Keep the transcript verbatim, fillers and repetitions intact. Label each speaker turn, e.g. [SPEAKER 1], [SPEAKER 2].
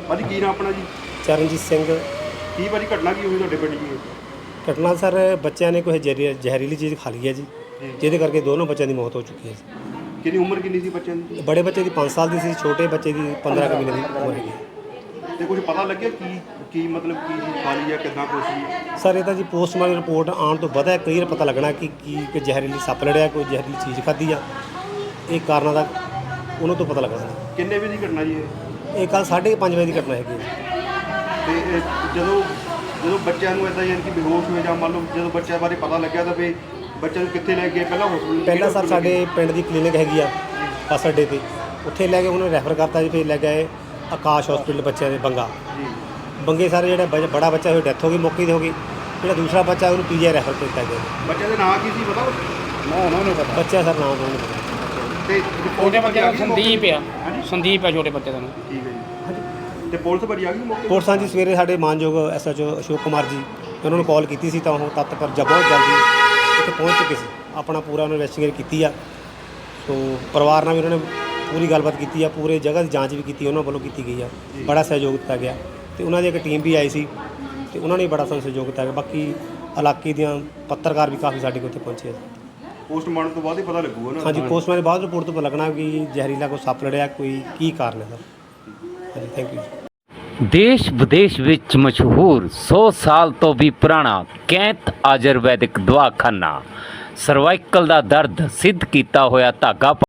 [SPEAKER 1] ਭਾਜੀ ਕੀ ਨਾਮ ਆਪਣਾ ਜੀ?
[SPEAKER 2] ਚਰਨਜੀਤ ਸਿੰਘ।
[SPEAKER 1] ਕੀ ਭਾਜੀ ਘਟਨਾ ਕੀ ਹੋਈ ਤੁਹਾਡੇ ਪਿੰਡ ਜੀ?
[SPEAKER 2] ਘਟਨਾ ਸਰ ਬੱਚਿਆਂ ਨੇ ਕੋਈ ਜ਼ਹਿਰੀ ਜ਼ਹਿਰੀਲੀ ਚੀਜ਼ ਖਾ ਲਈ ਹੈ ਜੀ, ਜਿਹਦੇ ਕਰਕੇ ਦੋਨੋਂ ਬੱਚਿਆਂ ਦੀ ਮੌਤ ਹੋ ਚੁੱਕੀ ਹੈ ਜੀ।
[SPEAKER 1] ਕਿੰਨੀ ਉਮਰ ਕਿੰਨੀ ਸੀ ਬੱਚਿਆਂ ਦੀ?
[SPEAKER 2] ਬੜੇ ਬੱਚੇ ਦੀ ਪੰਜ ਸਾਲ ਦੀ ਸੀ, ਛੋਟੇ ਬੱਚੇ ਦੀ ਪੰਦਰਾਂ ਕੁ ਮਹੀਨੇ ਦੀ ਉਮਰ ਹੈਗੀ।
[SPEAKER 1] ਤੇ ਕੁਝ ਪਤਾ ਲੱਗਿਆ ਕੀ ਕੀ ਮਤਲਬ ਕੀ ਚੀਜ਼ ਖਾ ਲਈ ਜਾਂ ਕਿੱਦਾਂ ਕੁਛ ਸੀ?
[SPEAKER 2] ਸਰ ਇਹਦਾ ਜੀ ਪੋਸਟਮਾਰਟਮ ਰਿਪੋਰਟ ਆਉਣ ਤੋਂ ਬਾਅਦ ਕਲੀਅਰ ਪਤਾ ਲੱਗਣਾ ਕਿ ਕੀ ਕਿ ਜ਼ਹਿਰੀਲੀ ਸੱਪ ਲੜਿਆ, ਕੋਈ ਜ਼ਹਿਰੀਲੀ ਚੀਜ਼ ਖਾਧੀ ਆ। ਇਹ ਕਾਰਨਾਂ ਦਾ ਉਹਨਾਂ ਤੋਂ ਪਤਾ ਲੱਗਣਾ ਜੀ।
[SPEAKER 1] ਕਿੰਨੇ ਵਜੇ ਦੀ ਘਟਨਾ ਜੀ ਇਹ?
[SPEAKER 2] ਇਹ ਕੱਲ੍ਹ ਸਾਢੇ ਪੰਜ ਵਜੇ ਦੀ ਘਟਨਾ ਹੈਗੀ ਹੈ।
[SPEAKER 1] ਤੇ ਇਹ ਜਦੋਂ ਜਦੋਂ ਬੱਚਿਆਂ ਨੂੰ ਇੱਦਾਂ ਯਾਨੀ ਕਿ ਬੇਹੋਸ਼ ਹੋਏ ਜਾਂ ਮੰਨ ਲਓ ਜਦੋਂ ਬੱਚਿਆਂ ਬਾਰੇ ਪਤਾ ਲੱਗਿਆ ਤਾਂ ਵੀ ਬੱਚਿਆਂ ਨੂੰ ਕਿੱਥੇ ਲੈ ਗਏ? ਪਹਿਲਾਂ ਹਸਪੀਟਲ
[SPEAKER 2] ਪਹਿਲਾਂ ਸਰ ਸਾਡੇ ਪਿੰਡ ਦੀ ਕਲੀਨਿਕ ਹੈਗੀ ਆ ਬੱਸ ਅੱਡੇ 'ਤੇ, ਉੱਥੇ ਲੈ ਕੇ ਉਹਨੂੰ ਰੈਫਰ ਕਰਤਾ ਜੀ। ਫਿਰ ਲੈ ਗਏ ਆਕਾਸ਼ ਹਸਪੀਟਲ ਬੱਚਿਆਂ ਦੇ ਬੰਗਾ
[SPEAKER 1] ਜੀ।
[SPEAKER 2] ਬੰਗੇ ਸਾਰੇ ਜਿਹੜਾ ਬ- ਬੜਾ ਬੱਚਾ ਹੋਇਆ ਡੈਥ ਹੋ ਗਈ ਮੌਕੇ 'ਤੇ ਹੋ ਗਈ। ਜਿਹੜਾ ਦੂਸਰਾ ਬੱਚਾ ਉਹਨੂੰ ਪੀਜੀਆਈ ਰੈਫਰ ਕੀਤਾ ਗਿਆ।
[SPEAKER 1] ਬੱਚਿਆਂ ਦੇ ਨਾਂ ਕੀ ਸੀ ਪਤਾ?
[SPEAKER 2] ਨਾ ਉਹਨਾਂ ਨੂੰ ਪਤਾ ਬੱਚਾ ਸਰ ਨਾਮ ਉਹਨਾਂ ਨੂੰ ਪਤਾ।
[SPEAKER 1] ਤੇ
[SPEAKER 3] ਛੋਟੇ ਬੱਚੇ ਦਾ ਸੰਦੀਪ ਆ।
[SPEAKER 1] ਹਾਂਜੀ
[SPEAKER 3] ਸੰਦੀਪ ਆ ਛੋਟੇ ਬੱਚੇ ਦਾ ਨਾਮ।
[SPEAKER 1] ਠੀਕ ਹੈ ਜੀ। ਤੇ ਪੁਲਿਸ ਭਾਜੀ ਆ ਗਈ ਮੌਕੇ?
[SPEAKER 2] ਪੁਲਿਸਾਂ ਜੀ ਸਵੇਰੇ ਸਾਡੇ ਮਾਨਯੋਗ ਐਸਐਚਓ ਅਸ਼ੋਕ ਕੁਮਾਰ ਜੀ ਉਹਨਾਂ ਨੂੰ ਕਾਲ ਕੀਤੀ ਸੀ, ਤਾਂ ਉਹ ਤੱਤ ਪਰ ਜ ਬਹੁਤ ਜਲਦੀ ਉੱਥੇ ਪਹੁੰਚ ਚੁੱਕੇ ਸੀ। ਆਪਣਾ ਪੂਰਾ ਉਹਨਾਂ ਇਨਵੈਸਟੀਗੇਟ ਕੀਤੀ ਆ। ਸੋ ਪਰਿਵਾਰ ਨਾਲ ਵੀ ਉਹਨਾਂ ਨੇ ਪੂਰੀ ਗੱਲਬਾਤ ਕੀਤੀ ਆ, ਪੂਰੇ ਜਗ੍ਹਾ ਦੀ ਜਾਂਚ ਵੀ ਕੀਤੀ ਉਹਨਾਂ ਵੱਲੋਂ ਕੀਤੀ ਗਈ ਆ। ਬੜਾ ਸਹਿਯੋਗ ਦਿੱਤਾ ਗਿਆ ਅਤੇ ਉਹਨਾਂ ਦੀ ਇੱਕ ਟੀਮ ਵੀ ਆਈ ਸੀ ਅਤੇ ਉਹਨਾਂ ਨੇ ਬੜਾ ਸਾਨੂੰ ਸਹਿਯੋਗ ਦਿੱਤਾ ਗਿਆ। ਬਾਕੀ ਇਲਾਕੇ ਦੀਆਂ ਪੱਤਰਕਾਰ ਵੀ ਕਾਫੀ ਸਾਡੇ ਕੋਲ ਉੱਥੇ ਪਹੁੰਚੇ।
[SPEAKER 1] ਪੋਸਟਮਾਰਟਮ ਤੋਂ ਬਾਅਦ ਹੀ ਪਤਾ ਲੱਗੂਗਾ ਨਾ?
[SPEAKER 2] ਹਾਂਜੀ, ਪੋਸਟਮਾਰਟਮ ਬਾਅਦ ਰਿਪੋਰਟ ਤੋਂ ਪਤਾ ਲੱਗਣਾ ਕਿ ਜ਼ਹਿਰੀਲਾ ਕੋਈ ਸੱਪ ਲੜਿਆ, ਕੋਈ ਕੀ ਕਾਰਨ ਹੈ ਸਰ। ਹਾਂਜੀ, ਥੈਂਕ ਯੂ ਜੀ।
[SPEAKER 4] ਦੇਸ਼ ਵਿਦੇਸ਼ ਵਿੱਚ ਮਸ਼ਹੂਰ ਸੌ ਸਾਲ ਤੋਂ ਵੀ ਪੁਰਾਣਾ ਕੈਂਤ ਆਯੁਰਵੈਦਿਕ ਦਵਾਖਾਨਾ ਸਰਵਾਈਕਲ ਦਾ ਦਰਦ ਸਿੱਧ ਕੀਤਾ ਹੋਇਆ ਧਾਗਾ